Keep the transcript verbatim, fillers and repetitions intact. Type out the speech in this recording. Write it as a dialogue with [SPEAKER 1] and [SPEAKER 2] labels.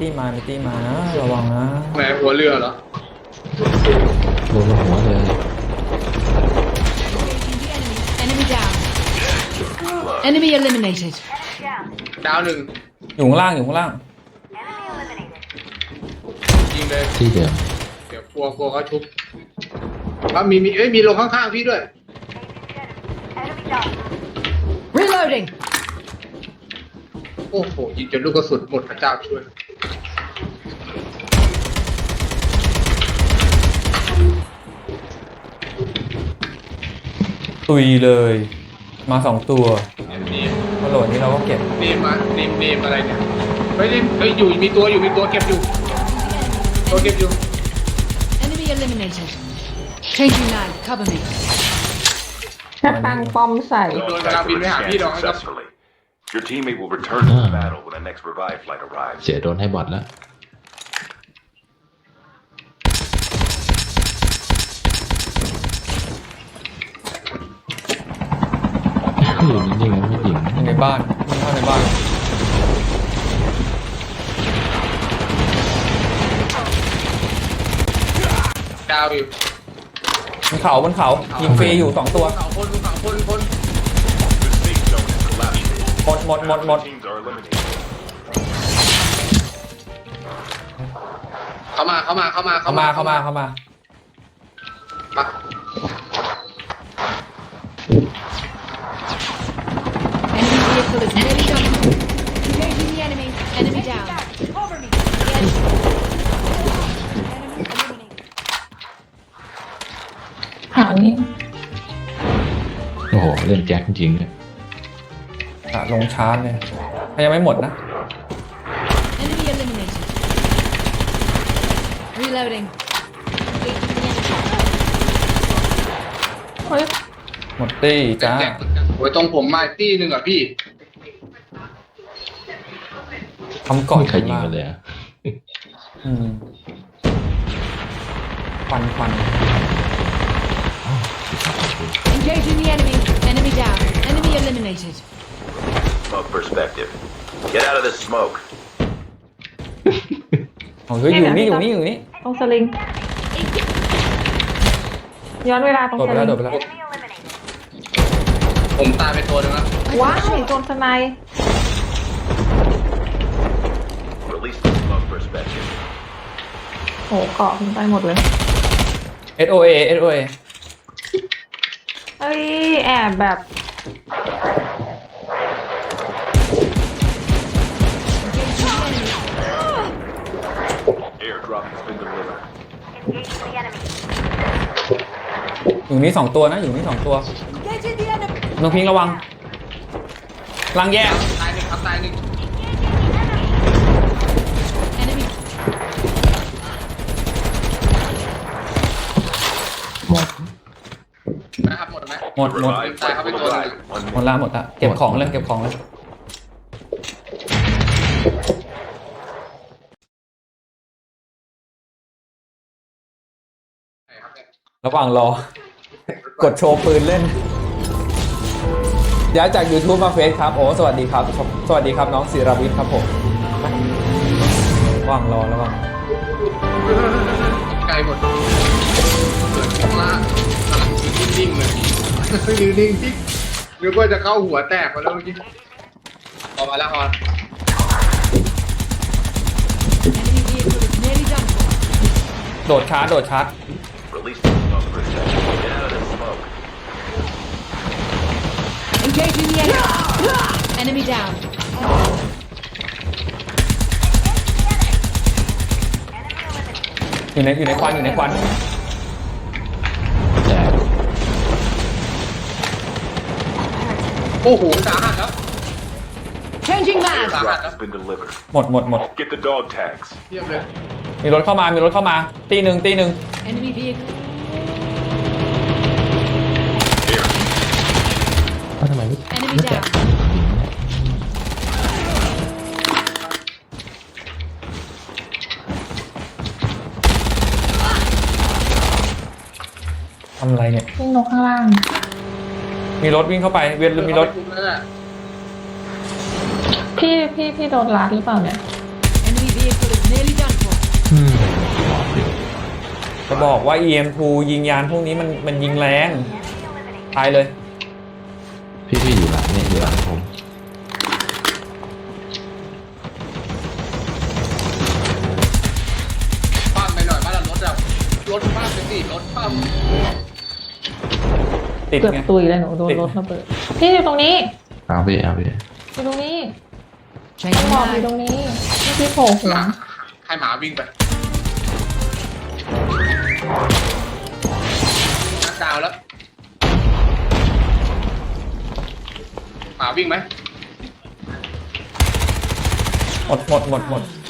[SPEAKER 1] ตี้มามีตี้มานะระวังนะ
[SPEAKER 2] แหมหัวเรือเหรอ
[SPEAKER 3] โดนหัวเลย
[SPEAKER 4] Enemy down. Enemy eliminated.
[SPEAKER 2] ดาวหนึ่ง
[SPEAKER 1] อยู่ข้างล่างอยู่ข้างล่าง
[SPEAKER 2] ยิงเลย
[SPEAKER 3] ที่เดิม
[SPEAKER 2] เดี๋ยวกลัวกลัวเขาชุบว่ามีมีเอ้ยมีลงข้างๆพี่ด้วย
[SPEAKER 4] Reloading.
[SPEAKER 2] โอ้โหยิงจนลูกกระสุนหมดพระเจ้าช่วย
[SPEAKER 1] ตุยเลยมาสองตัว
[SPEAKER 2] นี่
[SPEAKER 1] กระโดดนี่เราก็เก็บ
[SPEAKER 2] เนมมาเนมเนมอะไรเนี่ยเฮ้ยเฮ้ยอยู่มีตัวอยู่มีตัวเก็บอยู่ตัวเก็บอยู่
[SPEAKER 4] Enemy eliminated. Changing mag. Cover me.
[SPEAKER 5] ถ้าตั้งป้อมใส่
[SPEAKER 2] โดนกำลังบินไปหาพี่น้องครับ
[SPEAKER 6] Your teammate will return to the battle when the next revive flight arrives.
[SPEAKER 3] เสียโดนให้บอดแล้วอยู่จริงๆนะผู้หญิง
[SPEAKER 1] ในบ้านมันเข้าในบ้าน
[SPEAKER 2] ดาวอยู่
[SPEAKER 1] บนเขาบนเขายิงฟรีอยู่สองตัว
[SPEAKER 2] เขาคนเขาคนคน
[SPEAKER 1] หมดหมดหมดหมด
[SPEAKER 2] เข้ามาเข้ามาเข้ามา
[SPEAKER 1] เข้ามาเข้ามาเข้ามา
[SPEAKER 2] ปะ
[SPEAKER 4] Enemy vehicle is nearly done. Engaging the enemy. Enemy down. Cover me. Enemy eliminated.
[SPEAKER 5] หางนี้
[SPEAKER 3] โอ้โหเล่นแจ็คจริงๆเลย
[SPEAKER 1] ลงชาร์จเนี่ยยังไม่หมดนะ
[SPEAKER 4] Enemy eliminated. Reloading.
[SPEAKER 5] เฮ้ย
[SPEAKER 1] หมดตี้จ้า
[SPEAKER 2] โอ้ยตรงผมมาตี้หนึ่งอ่ะพี่
[SPEAKER 1] ทำก่อน
[SPEAKER 3] ใครยิงกันเลยอ่ะ
[SPEAKER 1] อืมควันควัน
[SPEAKER 4] Engaging the enemy. Enemy down. Enemy eliminated.
[SPEAKER 6] Smoke perspective. Get out of this smoke.
[SPEAKER 1] โอ้ยอยู่นี่อยู่นี่อยู่นี่
[SPEAKER 5] ตรงสลิงย้อนเวลาตรงสลิง
[SPEAKER 1] โดดไปแล้วโดดไปแล้ว
[SPEAKER 2] ผมตายไปตัวนึงแล้ว
[SPEAKER 5] ว้าวโดนสไน
[SPEAKER 6] Release the smoke perspective.
[SPEAKER 5] โหเกาะขึ้นไปหมดเลย
[SPEAKER 1] เอส โอ เอ เอส โอ เอ
[SPEAKER 5] เฮ้ยแอบแบบ
[SPEAKER 6] Airdrop has been delivered.
[SPEAKER 1] อยู่นี่สองตัวนะอยู่นี่สองตัว
[SPEAKER 4] Engaging the enemy.
[SPEAKER 1] น้องพิงระวังลังแยก
[SPEAKER 2] ตายหนึ่งครับตายหนึ่ง
[SPEAKER 4] Enemy.
[SPEAKER 3] หมด
[SPEAKER 2] นะครับหมดไหม
[SPEAKER 1] หมดหมด
[SPEAKER 6] Revive
[SPEAKER 2] ตายครับ
[SPEAKER 6] flight
[SPEAKER 2] ไป
[SPEAKER 6] will
[SPEAKER 2] ตัวหนึ่ง
[SPEAKER 6] arrive. One
[SPEAKER 1] หมดละหมดละเก็บของเลยเก็บของเลยระหว่างรอกดโชว์ปืนเล่นย้ายจาก YouTube มาเฟซครับโอ้สวัสดีครับสวัสดีครับน้องศิรวิทย์ครับผมระหว่างรอระหว่าง
[SPEAKER 2] ไกลหมดเกิดข้างล่างกำลังนิ่งๆเลยนิ่งๆที่นึกว่าจะเข้าหัวแตกมาแล้วเมื่อกี้ออกมาแล้วออน
[SPEAKER 4] Enemy vehicle is nearly done.
[SPEAKER 1] โดดชาร์จโดดชาร์จ
[SPEAKER 6] Release the smoke perspective. Get out of this smoke.
[SPEAKER 4] Engaging the enemy. Enemy down.
[SPEAKER 1] อยู่ในอยู่ในควันอยู่ในควัน
[SPEAKER 3] แจก
[SPEAKER 2] โอ้โหสาหัสแล้ว
[SPEAKER 4] Changing mag.
[SPEAKER 6] Airdrop has been delivered.
[SPEAKER 1] หมดหมดหมด
[SPEAKER 6] Get the dog tags.
[SPEAKER 2] เทียบเลย
[SPEAKER 1] มีรถเข้ามามีรถเข้ามาตีหนึ่งตีหนึ่ง
[SPEAKER 4] Enemy vehicle.
[SPEAKER 3] ว่าทำไมไม่
[SPEAKER 4] Enemy
[SPEAKER 3] ไม่แจก
[SPEAKER 4] down.
[SPEAKER 1] ทำอะไรเนี่ย
[SPEAKER 5] วิ่งนกข้างล่าง
[SPEAKER 1] มีรถวิ่งเข้าไปเวียนมีรถ
[SPEAKER 5] พี่พี่พี่โดนลัดหรือเปล่าเนี่ย
[SPEAKER 4] Enemy vehicle is nearly done for.
[SPEAKER 3] อืม
[SPEAKER 1] จะบอกว่า อี เอ็ม ทู ยิงยานพวกนี้มันมันยิงแรงตายเลย
[SPEAKER 3] พี่พี่อยู่หลังเนี่ยอยู่หลังผม
[SPEAKER 2] ปั้มไปหน่อยบ้านเรารถอะรถปั้มไปสิรถปั้ม
[SPEAKER 1] ติด
[SPEAKER 5] เกือบ
[SPEAKER 1] ไง
[SPEAKER 5] ตุยเลยหนูโดน
[SPEAKER 1] ติด
[SPEAKER 5] รถระเบิดพี่อยู่ตรงนี้
[SPEAKER 3] เอาพี่เอาพี่
[SPEAKER 5] อยู่ตรงนี้
[SPEAKER 4] Changing
[SPEAKER 5] ต้องบอกอยู่
[SPEAKER 4] mag.
[SPEAKER 5] ตรงนี้นี่พี่โผล่หัว
[SPEAKER 2] ให้หมาวิ่งไปนักดาวแล้วหมาวิ่งไหม
[SPEAKER 1] หมดหมดหมดหมด